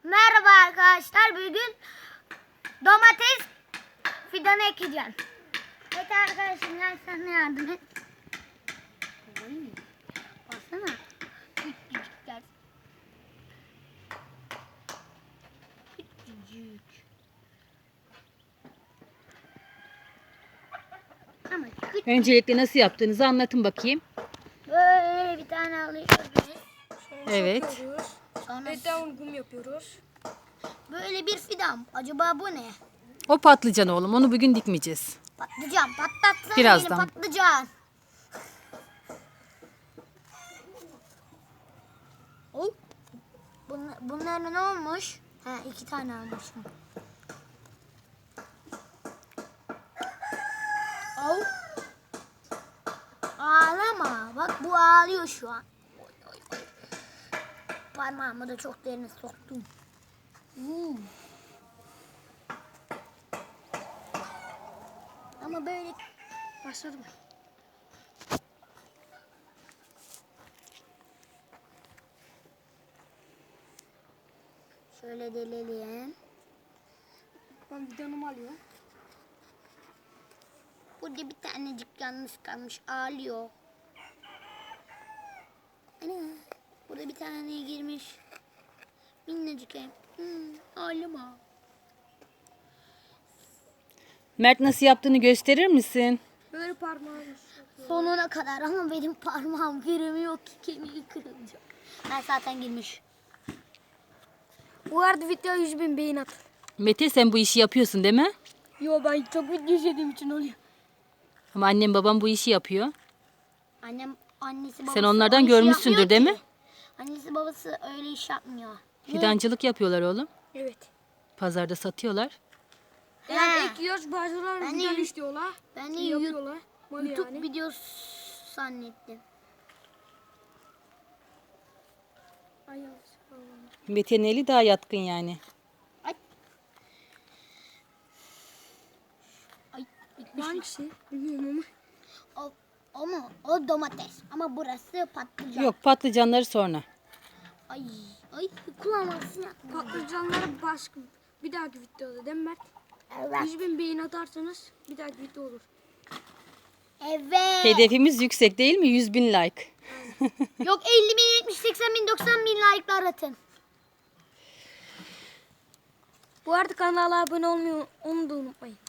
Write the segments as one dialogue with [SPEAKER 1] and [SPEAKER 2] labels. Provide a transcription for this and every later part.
[SPEAKER 1] Merhaba arkadaşlar. Bugün domates fidanı ekeceğim. Evet arkadaşım, gel sen de yardım et. Baksana. Küçücükler. Küçücük. Ama küçük.
[SPEAKER 2] Öncelikle nasıl yaptığınızı anlatın bakayım.
[SPEAKER 1] Böyle bir tane alıyoruz.
[SPEAKER 2] Evet.
[SPEAKER 1] Sonra
[SPEAKER 3] Down kum yapıyoruz.
[SPEAKER 1] böyle bir fidan. Acaba bu ne?
[SPEAKER 2] O patlıcan oğlum. Onu bugün dikmeyeceğiz.
[SPEAKER 1] Patlıcan. Patlatsana
[SPEAKER 2] Birazdan.
[SPEAKER 1] beni patlıcan. Oh. Bunların ne olmuş? Ha, 2 tane almışım. Oh. Ağlama. Bak bu ağlıyor şu an. Oy, oy, oy. Parmağımı da çok derine soktum. Ama böyle
[SPEAKER 3] Başladım.
[SPEAKER 1] şöyle delelim.
[SPEAKER 3] Ben videonumu alıyorum.
[SPEAKER 1] Burada bir tanecik yalnız kalmış, ağlıyor. Ana, burada bir tane girmiş. Minnacık hem. Ağlama.
[SPEAKER 2] Mert nasıl yaptığını gösterir misin?
[SPEAKER 3] Böyle parmağım.
[SPEAKER 1] Sonuna kadar ama benim parmağım giremiyor ki, kemiği kırılacak. Ben zaten girmiş.
[SPEAKER 3] Bu arada video 100.000 beğen at.
[SPEAKER 2] Mete sen bu işi yapıyorsun değil mi?
[SPEAKER 3] Yo, ben çok video izlediğim için oluyor.
[SPEAKER 2] Ama annem babam bu işi yapıyor.
[SPEAKER 1] Annesi babası
[SPEAKER 2] Sen onlardan
[SPEAKER 1] öyle iş
[SPEAKER 2] görmüşsündür
[SPEAKER 1] yapmıyor
[SPEAKER 2] değil
[SPEAKER 1] ki.
[SPEAKER 2] mi?
[SPEAKER 1] Annesi babası öyle iş yapmıyor.
[SPEAKER 2] Fidancılık yapıyorlar oğlum.
[SPEAKER 3] Evet.
[SPEAKER 2] Pazarda satıyorlar.
[SPEAKER 3] Yani
[SPEAKER 1] He.
[SPEAKER 3] ekiyoruz, bazıları
[SPEAKER 1] Ben de-
[SPEAKER 3] video istiyorlar.
[SPEAKER 1] Ben de
[SPEAKER 3] Yapıyorlar. Mal
[SPEAKER 1] YouTube
[SPEAKER 3] yani.
[SPEAKER 1] videosu zannettim.
[SPEAKER 3] Ay, yavaş.
[SPEAKER 2] Mete'nin eli daha yatkın yani.
[SPEAKER 1] Ay. Ay.
[SPEAKER 3] Bu hangisi? Bilmiyorum ama.
[SPEAKER 1] O mu? O domates. Ama burası patlıcan.
[SPEAKER 2] Yok, patlıcanları sonra.
[SPEAKER 1] Ay. Ay. Kulağımasın ya.
[SPEAKER 3] Patlıcanları başka bir dahaki videoda değil mi Mert?
[SPEAKER 1] Evet.
[SPEAKER 3] 100.000 beğen atarsanız bir dahaki video olur.
[SPEAKER 1] Evet.
[SPEAKER 2] Hedefimiz yüksek değil mi? 100.000 like.
[SPEAKER 1] Yok 50 bin, 70, 80 bin, 90 bin like'lar atın.
[SPEAKER 3] Bu arada kanala abone olmayı onu da unutmayın.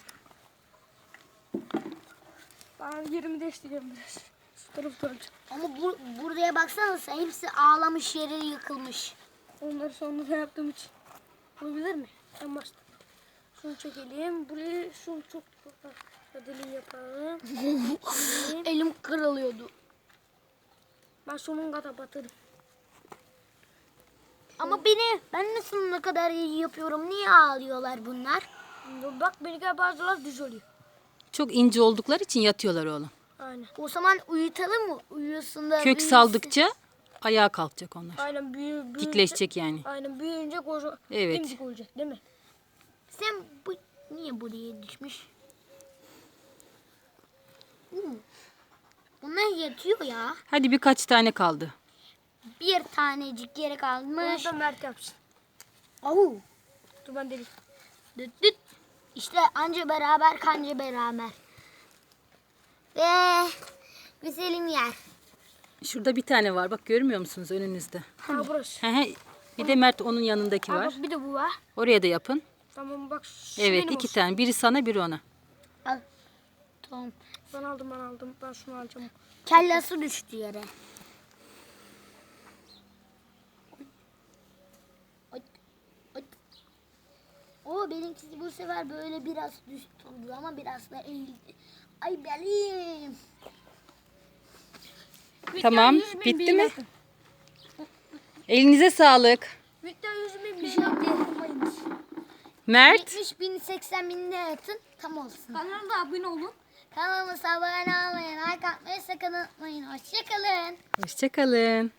[SPEAKER 3] Ben yerimi değiştireceğim biraz. Şu tarafta olacak.
[SPEAKER 1] Ama buraya baksanıza, hepsi ağlamış, yere yıkılmış.
[SPEAKER 3] Onları sonra yaptığım için. Olabilir mi? En başta. Şunu çekelim. Burayı şunu çok deli yapalım.
[SPEAKER 1] Elim kırılıyordu.
[SPEAKER 3] Ben sonun kadar batırdım.
[SPEAKER 1] Ama ben nasıl ne kadar iyi yapıyorum? Niye ağlıyorlar bunlar?
[SPEAKER 3] Bak benimkiler bazıları düz oluyor.
[SPEAKER 2] Çok ince oldukları için yatıyorlar oğlum.
[SPEAKER 3] Aynen.
[SPEAKER 1] O zaman uyutalım mı? Uyusun da
[SPEAKER 2] Kök
[SPEAKER 1] büyüsün.
[SPEAKER 2] saldıkça ayağa kalkacak onlar.
[SPEAKER 3] Aynen büyüyünce.
[SPEAKER 2] Dikleşecek yani.
[SPEAKER 3] Aynen büyüyünce koca
[SPEAKER 2] Evet.
[SPEAKER 3] dimdik olacak değil mi?
[SPEAKER 1] Sen niye buraya düşmüş? Bunlar yatıyor ya.
[SPEAKER 2] Hadi birkaç tane kaldı.
[SPEAKER 1] Bir tanecik yere
[SPEAKER 3] Onu
[SPEAKER 1] kalmış.
[SPEAKER 3] da Mert yapsın.
[SPEAKER 1] Au.
[SPEAKER 3] Dur ben deliyim.
[SPEAKER 1] Düt düt. İşte anca beraber kanca beraber. Ve güzelim yer.
[SPEAKER 2] Şurada bir tane var. Bak görmüyor musunuz önünüzde?
[SPEAKER 3] Ha burası.
[SPEAKER 2] Hı hı. Bir de Mert onun yanındaki
[SPEAKER 3] Ha
[SPEAKER 2] var.
[SPEAKER 3] bak bir de bu var.
[SPEAKER 2] Oraya da yapın.
[SPEAKER 3] Tamam bak. şu
[SPEAKER 2] Evet,
[SPEAKER 3] benim
[SPEAKER 2] 2
[SPEAKER 3] olsun.
[SPEAKER 2] tane. Biri sana, biri ona.
[SPEAKER 1] Al. Tamam.
[SPEAKER 3] Ben aldım. Ben şunu alacağım.
[SPEAKER 1] Kellası düştü yere. Ay, ay. O benimkisi bu sefer böyle biraz düz oldu ama biraz da eğildi. Ay belim.
[SPEAKER 2] Tamam,
[SPEAKER 3] 100.000
[SPEAKER 2] bitti
[SPEAKER 3] beğen
[SPEAKER 2] mi?
[SPEAKER 3] atın.
[SPEAKER 2] Elinize sağlık.
[SPEAKER 3] Video 100.000
[SPEAKER 1] Bir şey
[SPEAKER 3] beğen
[SPEAKER 1] yok diye.
[SPEAKER 3] atın.
[SPEAKER 2] Mert.
[SPEAKER 1] 70 bin, 80 bin de atın tam olsun.
[SPEAKER 3] Kanala da abone olun.
[SPEAKER 1] Kanalımıza abone olmayı, like atmayı sakın unutmayın. Hoşçakalın.
[SPEAKER 2] Hoşçakalın.